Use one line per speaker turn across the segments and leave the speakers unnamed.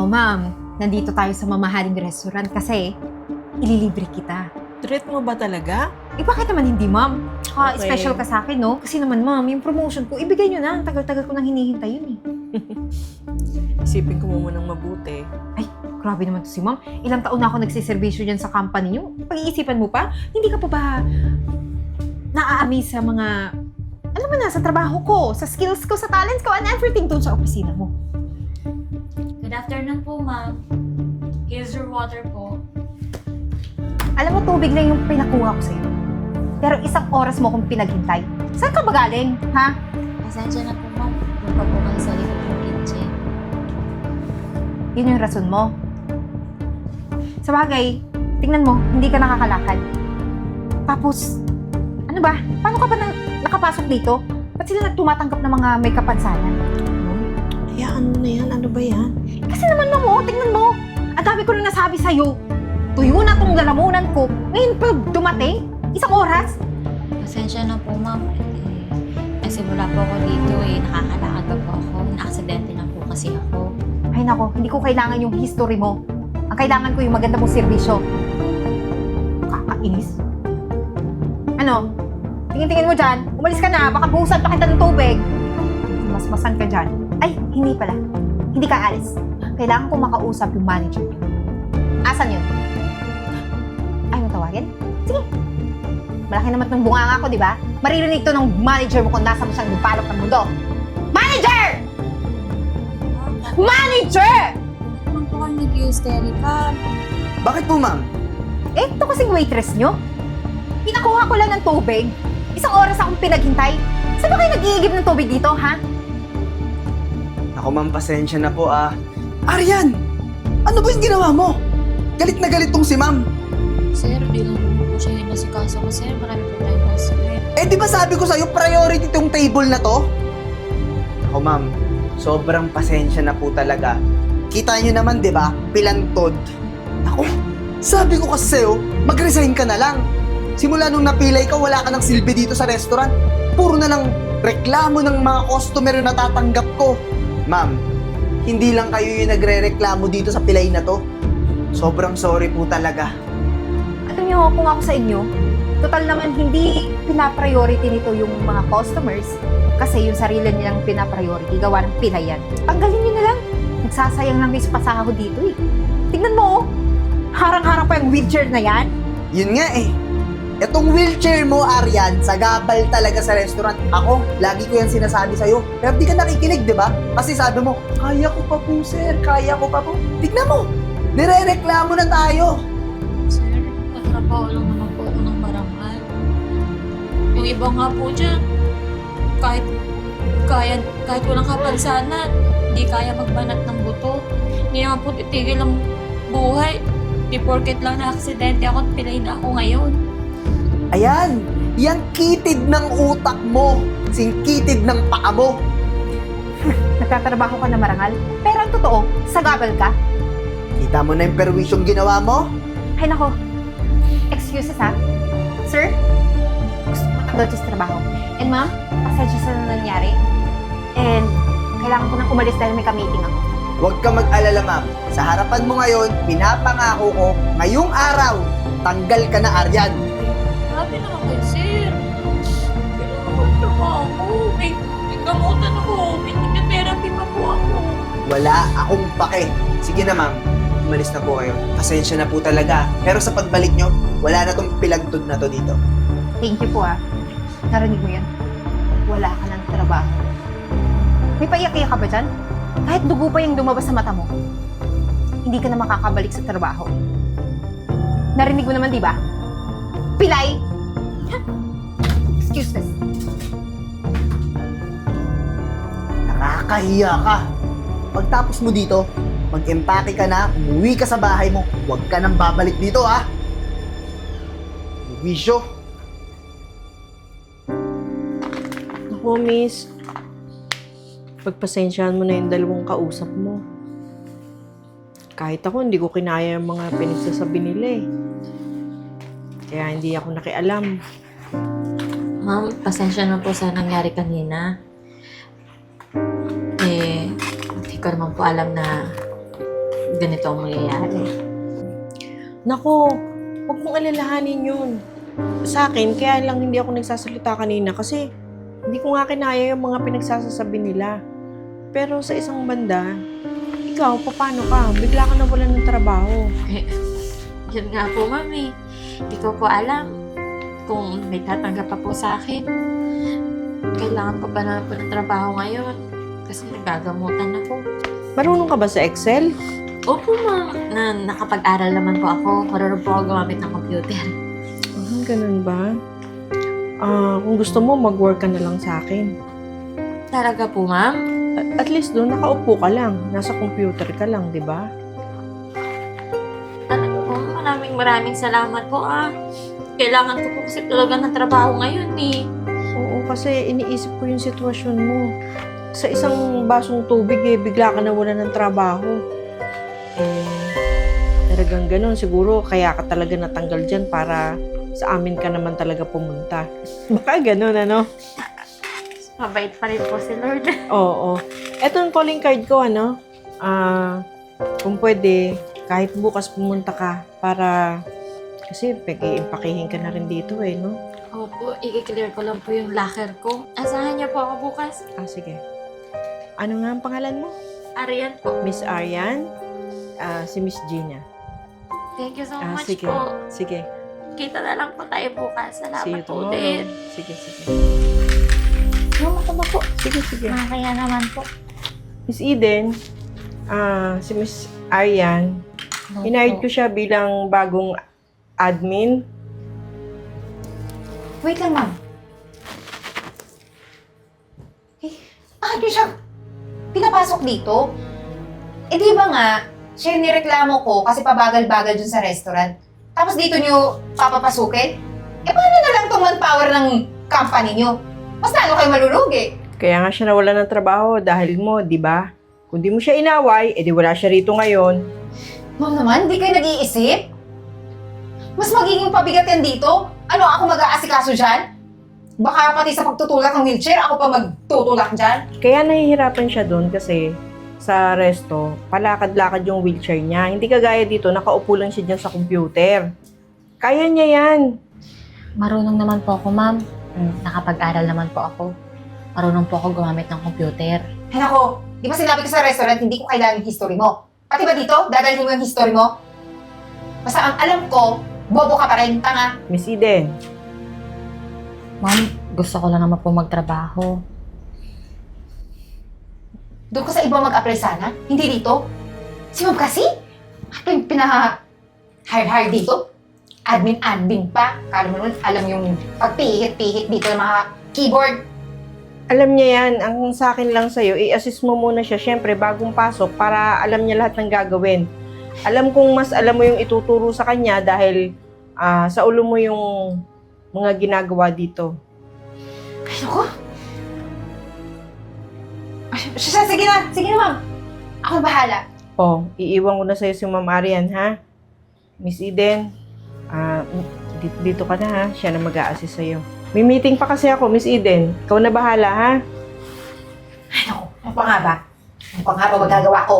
ma'am, nandito tayo sa mamahaling restaurant kasi ililibre kita.
Treat mo ba talaga?
Eh bakit naman hindi, ma'am? Tsaka
Okay.
special ka sa akin, no? Kasi naman, ma'am, yung promotion ko, ibigay nyo na. Ang tagal-tagal ko nang hinihintay yun eh.
Isipin ko mo munang mabuti.
Ay, grabe naman to si ma'am. Ilang taon na ako nagsiservisyo dyan sa company nyo. Pag-iisipan mo pa, hindi ka pa ba naa-amaze sa mga, alam mo na, sa trabaho ko, sa skills ko, sa talents ko, and everything dun sa opisina mo.
Good afternoon po, ma'am. Here's your water po.
Alam mo, tubig lang yung pinakuha ko sa'yo. Pero isang oras mo akong pinaghintay. Saan ka ba galing, ha?
Pasensya na po, ma'am. Doon pa po kayo sa likod ng kitchen.
Yun yung rason mo. Sa bagay, tingnan mo, hindi ka nakakalakad. Tapos, ano ba? Paano ka ba nakapasok dito? Ba't sila nagtumatanggap ng mga may kapansanan?
Hayaan mo na yan. Ano ba yan?
Kasi naman mo, tingnan mo. Ang dami ko na nasabi sa'yo. Tuyo na tong lalamunan ko. Ngayon pa dumating? Isang oras?
Pasensya na po, ma'am. Nagsimula po ako dito nakakalakad pa po ako. Na-aksidente na po kasi ako.
Ay nako, hindi ko kailangan yung history mo. Ang kailangan ko yung maganda mong serbisyo. Kakainis. Ano? Tingin-tingin mo dyan. Umalis ka na. Baka buhusan pa kita ng tubig. Masmasan ka dyan. Ay, hindi pala. Hindi ka alis. Kailangan ko makausap yung manager niyo. Asan yun? Ay, mo tawagin? Sige. Malaki naman ng bunganga ko, di ba? Maririnig to ng manager mo kung nasa mo siyang lupalok ng mundo. Manager! Manager!
Ma'am po kayo nag-hysterical.
Bakit po, ma'am?
Eh, ito kasing waitress nyo. Pinakuha ko lang ng tubig. Isang oras akong pinaghintay. Saan ba kayo nag-iigib ng tubig dito, ha?
Ako, ma'am, pasensya na po, Aryan! Ano ba yung ginawa mo? Galit na galit tong si ma'am.
Sir, di lang naman po siya yung nasikaso ko, sir. Marami po tayong customer.
Eh, di ba sabi ko sa'yo, priority tong table na to? Ako, ma'am, sobrang pasensya na po talaga. Kita nyo naman, di ba? Pilantod. Ako, sabi ko kasi sa'yo, mag-resign ka na lang. Simula nung napilay ka, wala ka ng silbi dito sa restaurant. Puro na lang reklamo ng mga customer yung natatanggap ko. Ma'am, hindi lang kayo yung nagre-reklamo dito sa pilay na to. Sobrang sorry po talaga.
Alam nyo, kung ako sa inyo, total naman hindi pinapriority nito yung mga customers kasi yung sarili nilang pinapriority, gawa ng pinayan. Tanggalin nyo na lang. Nagsasayang lang kayo sa pasahod dito eh. Tingnan mo, harang-harang pa yung wheelchair na yan.
Yun nga eh. Itong wheelchair mo, Aryan, sagabal talaga sa restaurant. Ako, lagi ko yan sinasabi sa'yo. Pero di ka nakikinig, di ba? Kasi sabi mo, kaya ko pa po, sir. Kaya ko pa po. Tignan mo, nire-reklamo na tayo.
Sir, katrabaho lang naman po ako ng barangay. Yung iba nga po dyan, kahit walang kapansanan, hindi kaya magbanat ng buto. Hindi naman po titigil ang buhay. Di porket lang na aksidente ako at pilay na ako ngayon.
Ayan, yan kitid ng utak mo. Singkitid ng paa mo.
Nagtatrabaho ka na marangal. Pero ang totoo, sagabal ka.
Kita mo na yung perwisyong ginawa mo?
Ay nako, excuses ha. Sir, gusto ko matanggal sa trabaho. And ma'am, pasensya sa nangyari. And kailangan ko nang umalis dahil may ka-meeting ako.
Huwag ka mag-alala, ma'am. Sa harapan mo ngayon, pinapangako ko, ngayong araw, tanggal ka na, Aryan.
Grabe naman kayo, sir. Kailangan ko trabaho. May gamutan ako. May therapy pa po ako.
Wala akong pake. Sige na, ma'am. Umalis na po kayo. Pasensya na po talaga. Pero sa pagbalik nyo, wala na tong pilagtod na to dito.
Thank you po ah. Narinig mo yan? Wala ka ng trabaho. May paiyak-iyak ka ba dyan? Kahit dugo pa yung lumabas sa mata mo, hindi ka na makakabalik sa trabaho. Narinig mo naman, di ba? Pilay! Excuses.
Nakakahiya ka. Pagtapos mo dito, mag-empake ka na, umuwi ka sa bahay mo. Huwag ka nang babalik dito, ha? Wisyo.
Ako, miss. Pagpasensyahan mo na yung dalawang kausap mo. Kahit ako, hindi ko kinaya yung mga pinagsasabi nila eh. Kaya hindi ako nakialam.
Ma'am, pasensya na po sa nangyari kanina. Hindi ko naman po alam na ganito ang mangyayari.
Nako, huwag mong alalahanin yun. Sa akin, kaya lang hindi ako nagsasalita kanina kasi hindi ko nga kinaya yung mga pinagsasasabi nila. Pero sa isang banda, ikaw, paano ka? Bigla ka nawalan ng trabaho.
Yun nga po, mami. Hindi ko po alam kung may tatanggap pa po sa akin. Kailangan ko pa na po ng trabaho ngayon kasi nagagamutan ako.
Marunong ka ba sa Excel?
Opo, ma'am. Nakapag-aral naman po ako. Marunong po ako gumamit ng computer.
Ganun ba? Kung gusto mo, mag-work ka na lang sa akin.
Talaga po, ma'am?
At least doon, nakaupo ka lang. Nasa computer ka lang, di ba?
Talaga po, maraming salamat po, Kailangan ko po kasi talaga ng trabaho ngayon, eh.
Oo, kasi iniisip ko yung sitwasyon mo. Sa isang basong tubig, bigla ka nawalan ng trabaho. Talagang ganun. Siguro, kaya ka talaga natanggal dyan para sa amin ka naman talaga pumunta. Baka ganun, ano?
Mabait pa rin po si Lord.
Oo. Eto yung calling card ko, ano? Kung pwede, kahit bukas pumunta ka para... Kasi pag-iimpakihin ka na rin dito, no?
Opo, i-clear ko lang po yung locker ko. Asahan niyo po ako bukas.
Sige. Ano nga ang pangalan mo?
Arian po.
Miss Arian? Si Miss Gina.
Thank you so much
Sige.
po.
Sige.
Kita na lang po tayo bukas.
See you
Salamat po
tomorrow.
din.
Sige.
Mama ko ba po?
Sige.
Nakakaya naman po.
Miss Eden, si Miss Arian, hinahired ko siya bilang bagong admin.
Wait lang, ma'am. Ano siya pinapasok dito? Di ba nga, siya yung nireklamo ko kasi pabagal-bagal dun sa restaurant. Tapos dito nyo papapasukin? Paano na lang itong manpower ng company nyo? Mas lalo kayo malulugi.
Kaya nga siya nawala ng trabaho dahil mo, di ba? Kung di mo siya inaway, edi wala siya rito ngayon.
Ma'am naman, di kayo nag-iisip? Mas magiging pabigat yan dito? Ano, ako mag-aasikaso dyan? Baka pati sa pagtutulak ng wheelchair, ako pa magtutulak dyan?
Kaya nahihirapan siya doon kasi sa resto, palakad-lakad yung wheelchair niya. Hindi kagaya dito, nakaupo lang siya dyan sa computer. Kaya niya yan.
Marunong naman po ako, ma'am. Nakapag-aral naman po ako. Marunong po ako gumamit ng computer.
Ay nako, di ba sinabi ko sa restaurant, hindi ko kailangan yung history mo? Pati ba dito, dadalhin mo yung history mo? Basta ang alam ko, bobo ka pa rin, tanga.
Miss Eden,
Ma'am, gusto ko lang naman po magtrabaho.
Doon ko sa iba mag-apply sana, hindi dito. Si Ma'am kasi, pinaka-hire dito. Admin pa. Kala mo naman, alam yung pagpihit-pihit dito ng mga keyboard.
alam niya yan. Ang sa akin lang sa'yo, i-assist mo muna siya, syempre, bagong pasok, para alam niya lahat ng gagawin. Alam kong mas alam mo yung ituturo sa kanya dahil sa ulo mo yung mga ginagawa dito.
Ay, naku. Sige na, ma'am. Ako bahala.
Iiwan ko na sa'yo si Ma'am Arian, ha? Miss Eden, dito ka na, ha? Siya na mag-a-assist sa'yo. May meeting pa kasi ako, Miss Eden. Ikaw na bahala, ha?
Ay, naku. Ano pa nga ba? Ano pa nga ba magagawa ko?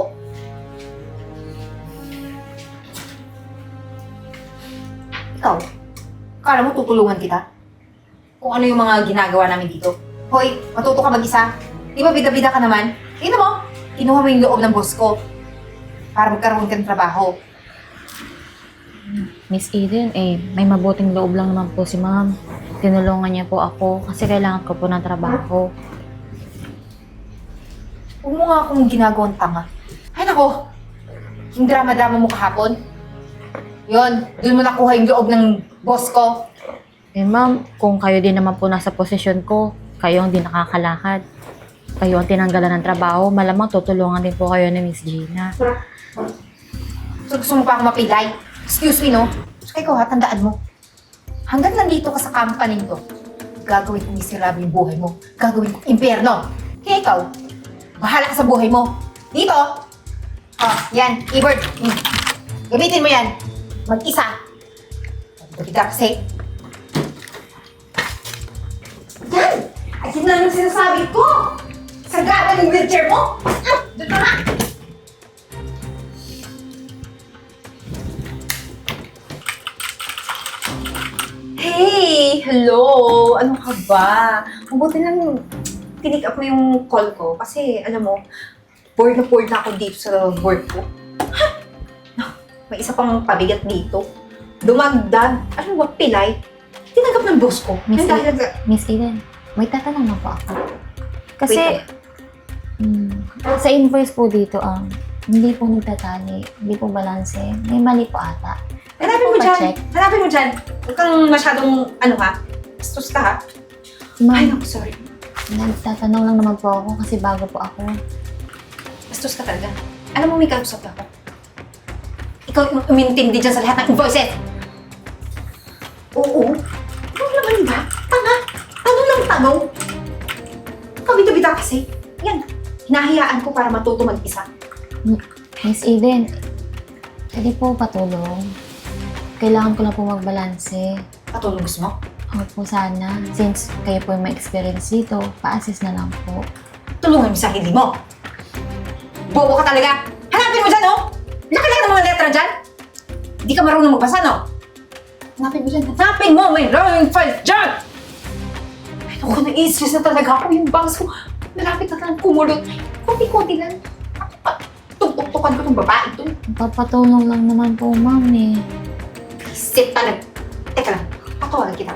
Ikaw, akala mo tutulungan kita? Kung ano yung mga ginagawa namin dito? Hoy, matuto ka mag-isa. Di ba bida-bida ka naman? Tingnan mo, kinuha mo yung loob ng boss ko para magkaroon ka ng trabaho.
Miss Eden, may mabuting loob lang naman po si ma'am. Tinulungan niya po ako kasi kailangan ko po ng trabaho.
Huwag mo nga akong ginagawang tanga. Ay nako, yung drama-drama mo kahapon. Yon, doon mo nakuha yung loob ng boss ko.
Ma'am, kung kayo din naman po nasa posisyon ko, kayo ang di nakakalakad. Kayo ang tinanggalan ng trabaho, malamang tutulungan din po kayo ni Miss Gina.
So gusto mo pa akong mapilay? Excuse me, no? So ikaw ha, tandaan mo. Hanggang nandito ka sa company to, gagawin kong miserable yung buhay mo. Gagawin kong impyerno. Kaya ikaw, bahala ka sa buhay mo. Dito! Yan, keyboard. Gamitin mo yan. Mag-isa. Bigla kasi. Yan! Ayun na lang sinasabi ko! Sagada yung wheelchair mo! Doon ka nga! Ay, hello! Ano ka ba? Mabuti lang tinick up mo yung call ko kasi, alam mo, bored na ako dito sa work ko. Ha? May isa pang pabigat dito. Dumagdag. Ano ba, pilay? Tinanggap ng boss ko.
Miss
Yung dahil
Miss Eden, may tatanong na po ako. Kasi,
Wait.
sa invoice po dito, hindi po nagtatali, hindi po balanse, may mali po ata.
Hanapin mo
Pa
dyan.
check.
Hanapin mo dyan. Huwag kang masyadong, bastos ka ha. Ay,
Ma'am,
naku, sorry.
nagtatanong lang naman po ako kasi bago po ako.
Bastos ka talaga. Alam mo, may kausap ako. Ikaw yung umintindi dyan sa lahat ng invoices. Oo. Ano naman ba? Tanga. Tanong ng tanong. Kabita-bita kasi. Yan. Hinahayaan ko para matuto mag-isa.
Miss Eden, pwede po patulong. Kailangan ko lang po magbalanse.
Patulong gusto mo?
Ako po sana. Since kayo po yung may experience dito, pa-assist na lang po.
Tulungan mo sa sarili mo. Bobo ka talaga. Hanapin mo dyan, oh! Laki-laki ng mga letra dyan. Hindi ka marunong magbasa, no? Hanapin mo dyan. Hanapin mo! May drawing file dyan! Ay, naku, nai-stress na talaga ako. Yung bangs ko, malapit na lang kumulot. Kunti-kunti lang. Tuk-tuk-tukan ko itong babae ito.
Papatulong lang naman po, ma'am eh.
Isip talaga. Teka lang, patawagan kita.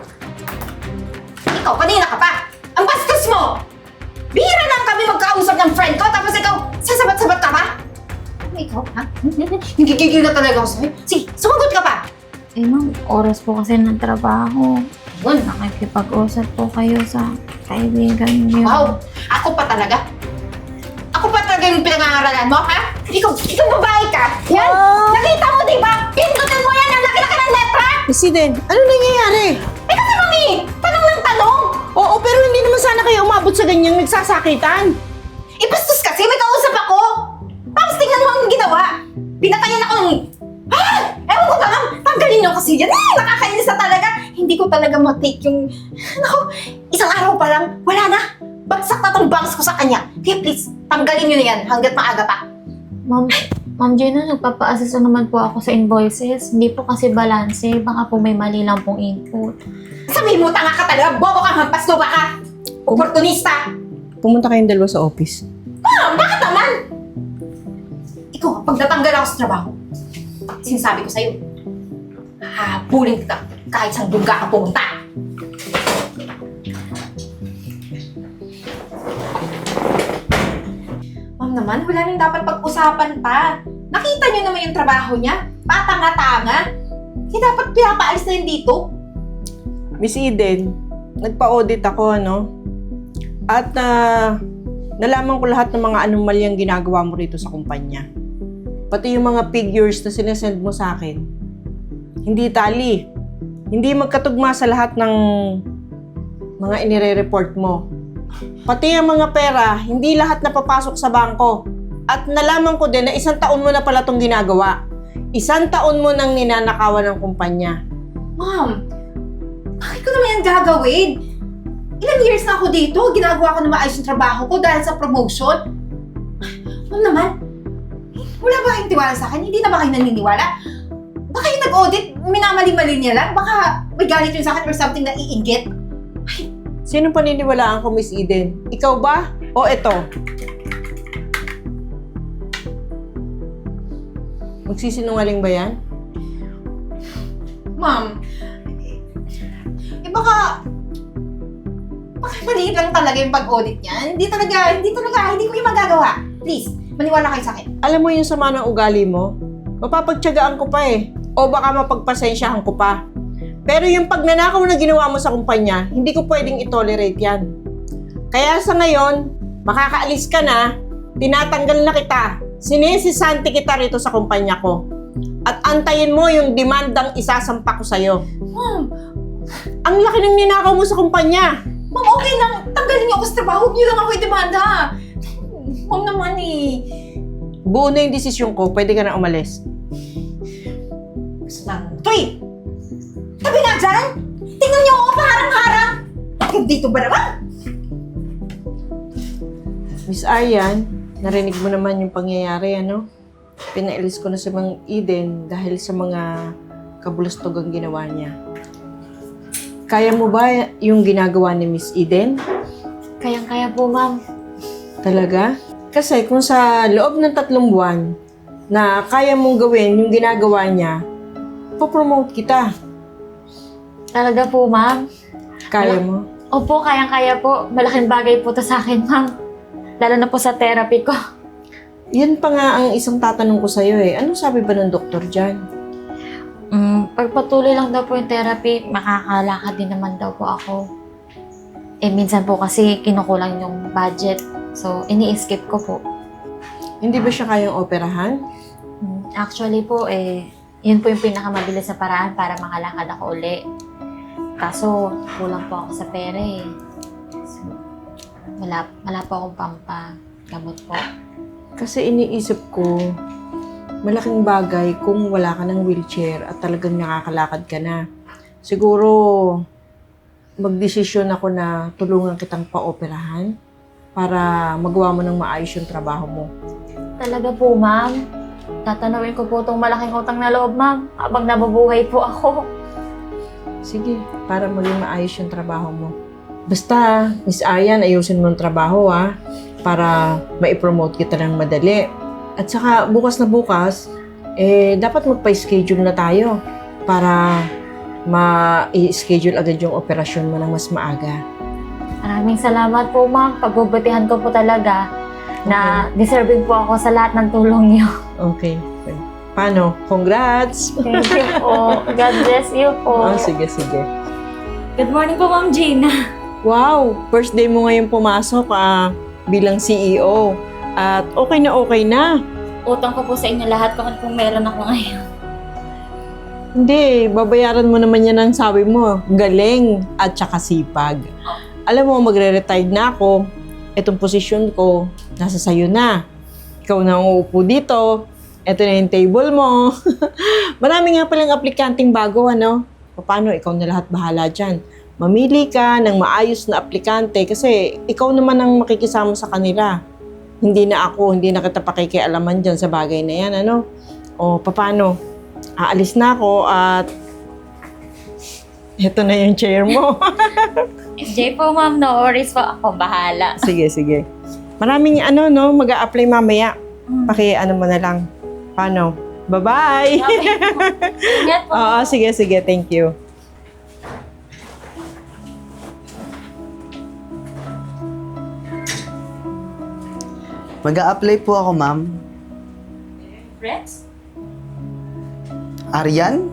Ikaw, kanina ka pa! Ang bastos mo! Bihira lang kami magkausap ng friend ko, tapos ikaw, sasabat-sabat ka pa? Ano ikaw, ha? Nagigigil na talaga ako sa'yo. Sige, sumagot ka pa!
Eh ma'am, oras po kasi ng trabaho.
Yun.
Nakikipag-usap po kayo sa kaibigan niyo.
Wow! Ako pa talaga? Ako pa talaga yung pinangangaralan mo, ha? Ikaw babae ka? Yan! Nakita mo, di ba? Pindutin mo yan! Ang laki-laki ng letra!
Miss Eden, ano nangyayari?
Eh kasi, mami! Tanong ng tanong!
Oo, pero hindi naman sana kayo umabot sa ganyang nagsasakitan.
Eh, bastos kasi! May kausap ako! Tapos tingnan mo ang ginawa! Pinatayan ako ng... Ah! Ewan ko ba, ma'am? Tanggalin niyo kasi yan! Nakakainis na talaga! Hindi ko talaga matake yung... Naku, isang araw pa lang, wala na! Bagsak na tong bangs ko sa kanya. Kaya please, tanggalin niyo na yan hanggat maaga pa.
Ma'am Gina, nagpapa-assist na naman po ako sa invoices. Hindi po kasi balanse. Baka po may mali lang pong input.
Sabihin mo, tanga ka talaga! Bobo kang hampas lupa ka! Oportunista!
Pumunta kayong dalawa sa office.
Ma'am, bakit naman? Ikaw, pag natanggal ako sa trabaho, sinasabi ko sa'yo, habulin kita kahit saan duga ka pumunta. Ma'am naman, wala nang dapat pag-usapan pa. Nakita niyo naman yung trabaho niya. Patanga-tanga. Hindi dapat pinapaalis na yun dito.
Miss Eden, nagpa-audit ako, ano? At nalaman ko lahat ng mga anomalyang ginagawa mo rito sa kumpanya. Pati yung mga figures na sinesend mo sa akin. Hindi tali. Hindi magkatugma sa lahat ng mga inire-report mo. Pati yung mga pera, hindi lahat napapasok sa bangko. At nalaman ko din na 1 taon mo na pala itong ginagawa. 1 taon mo nang ninanakawan ng kumpanya.
Ma'am, bakit ko naman yan gagawin? Ilang years na ako dito, ginagawa ko na maayos yung trabaho ko dahil sa promotion. Ma'am naman, wala ba kayong tiwala sa akin? Hindi na ba kayo naniniwala? Baka yung nag-audit, minamali-mali niya lang. Baka may galit yun sa akin or something na iinggit.
Sino paniniwalaan ko, Miss Eden? Ikaw ba? O eto? Magsisinungaling ba yan?
Ma'am, baka maliit lang talaga yung pag-audit niya. Hindi ko yung magagawa. Please, maniwala kayo sa akin.
Alam mo yung sama ng ugali mo? Mapapagtyagaan ko pa eh. O baka mapagpasensyahan ko pa. Pero yung pagnanakaw na ginawa mo sa kumpanya, hindi ko pwedeng itolerate yan. Kaya sa ngayon, makakaalis ka na, tinatanggal na kita, sinisisanti kita rito sa kumpanya ko. At antayin mo yung demandang isasampa ko sa'yo.
Ma'am,
Ang laki ng ninakaw mo sa kumpanya.
Ma'am, okay lang. Tanggalin niyo ako sa trabaho. Huwag niyo lang ako i-demanda. Ma'am naman eh.
Buo na yung desisyon ko, pwede ka na umalis.
Gusto lang. Tuy! Tabi nga dyan! Tingnan niyo ako paharang-harang! Dito ba naman?
Miss Aryan, narinig mo naman yung pangyayari, ano? Pinailis ko na si Mang Eden dahil sa mga kabulastogang ginawa niya. Kaya mo ba yung ginagawa ni Miss Eden?
Kayang-kaya po, ma'am.
Talaga? Kasi kung sa loob ng 3 buwan na kaya mong gawin yung ginagawa niya, popromote kita.
Talaga po, ma'am.
Kaya mo?
Opo, kayang-kaya po. Malaking bagay po to sa akin, ma'am. Lalo na po sa therapy ko.
Yan pa nga ang isang tatanong ko sa'yo eh. Anong sabi ba ng doktor dyan?
Pagpatuloy lang daw po yung therapy, makakalakad din naman daw po ako. Minsan po kasi kinukulang yung budget. So, ini-skip ko po.
Hindi ba siya kayang operahan?
Actually po, yun po yung pinakamabilis na paraan para makalakad ako uli. Kaso, kulang po ako sa pera eh. So, wala po akong pampagamot po.
Kasi iniisip ko, malaking bagay kung wala ka ng wheelchair at talagang nakakalakad ka na. Siguro, magdesisyon ako na tulungan kitang pa-operahan para magawa mo ng maayos yung trabaho mo.
Talaga po, ma'am. Tatanawin ko po itong malaking utang na loob, ma'am, habang nabubuhay po ako.
Sige, para maging maayos yung trabaho mo. Basta, Miss Ayan, ayusin mo yung trabaho para ma-promote kita ng madali. At saka, bukas na bukas, dapat magpa-schedule na tayo para ma-schedule agad yung operasyon mo ng mas maaga.
Maraming salamat po, ma'am. Pagbubutihan ko po talaga na deserving po ako sa lahat ng tulong niyo.
Okay. Paano? Congrats!
Thank you po. God bless you po.
Sige, sige.
Good morning po, Ma'am Gina.
Wow! First day mo ngayon pumasok bilang CEO. At okay na.
Utang ko po sa inyo lahat kung meron ako ngayon.
Hindi, babayaran mo naman yan ang sabi mo. Galing at saka sipag. Alam mo, magre-retire na ako. Itong posisyon ko, nasa sayo na. Ikaw na ang uupo dito. Ito na yung table mo. Marami nga palang aplikanteng bago, ano? Paano? Ikaw na lahat bahala dyan. Mamili ka ng maayos na aplikante kasi ikaw naman ang makikisama sa kanila. Hindi na kita pakikialaman dyan sa bagay na yan, ano? O, paano? Aalis na ako at ito na yung chair mo.
SJ po, ma'am. No worries po. Ako bahala.
Sige. Maraming mag-a-apply mamaya. Mo na lang. Paano? Bye-bye!
Ingat po.
Oo, sige. Thank you.
Mag-a-apply po ako, ma'am.
Friends?
Aryan?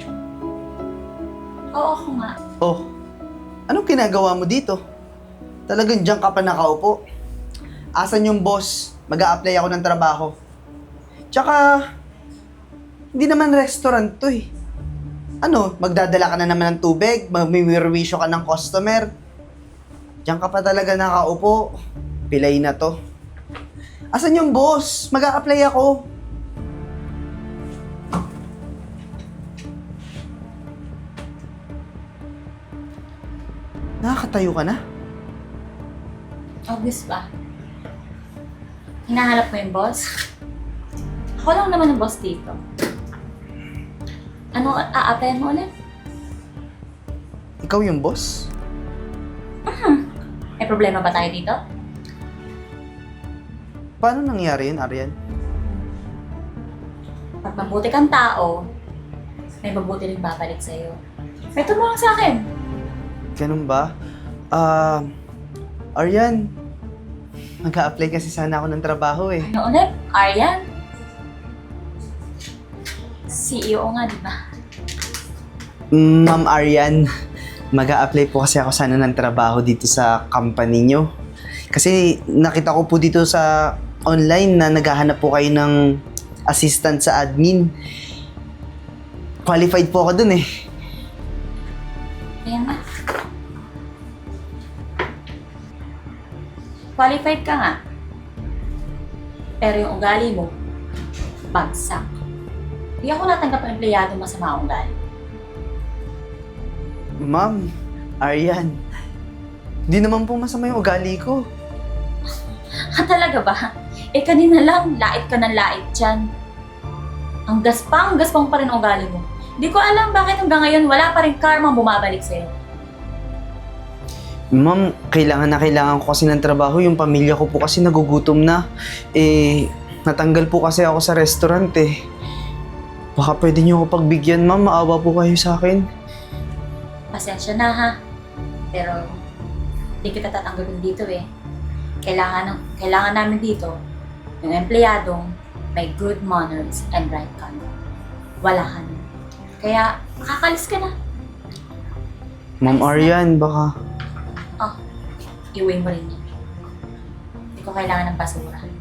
Oo, ako nga.
Oh, anong ginagawa mo dito? Talagang diyan ka pa nakaupo. Asan yung boss? Mag-a-apply ako ng trabaho. Tsaka, hindi naman restaurant to eh. Ano, magdadala ka na naman ng tubig? Magmimirwisyo ka ng customer? Diyan ka pa talaga nakaupo. Pilay na to. Asan yung boss? Mag-a-apply ako. Nakakatayo ka na?
Obvious ba? Hinahanap mo yung boss? Ako lang naman ang boss dito. Ano a-applyan mo ulit?
Ikaw yung boss?
May problema ba tayo dito?
Paano nangyari yun, Aryan?
Pag mabuti kang tao, may mabuti rin babalik sa'yo. May tumulong sa akin.
Ganun ba? Aryan, mag-a-apply kasi sana ako ng trabaho eh.
Ano ulit? Aryan? CEO nga, di ba?
Ma'am Aryan, mag-a-apply po kasi ako sana ng trabaho dito sa company nyo. Kasi nakita ko po dito sa online na naghahanap po kayo ng assistant sa admin. Qualified po ako dun eh.
Ayan na. Qualified ka nga. Pero yung ugali mo, bagsak. Hindi ako natanggap ng empleyado masama ang ugali.
Ma'am, Aryan, di naman po masama yung ugali ko.
Talaga ba? Kanina lang, lait ka ng lait dyan. Ang gaspang pa rin ang ugali mo. Di ko alam bakit hanggang ngayon wala pa rin karma bumabalik sa'yo.
Ma'am, kailangan ko kasi ng trabaho. Yung pamilya ko po kasi nagugutom na. Natanggal po kasi ako sa restaurant eh. Baka pwede niyo ako pagbigyan, ma'am. Maawa po kayo sa akin.
Pasensya na ha. Pero, hindi kita tatanggapin dito eh. Kailangan namin dito yung empleyadong may good manners and right conduct. Wala ka na. Kaya, makakalis ka na.
Ma'am Arian, baka...
Iuwi mo rin yan. Hindi ko kailangan ng basura.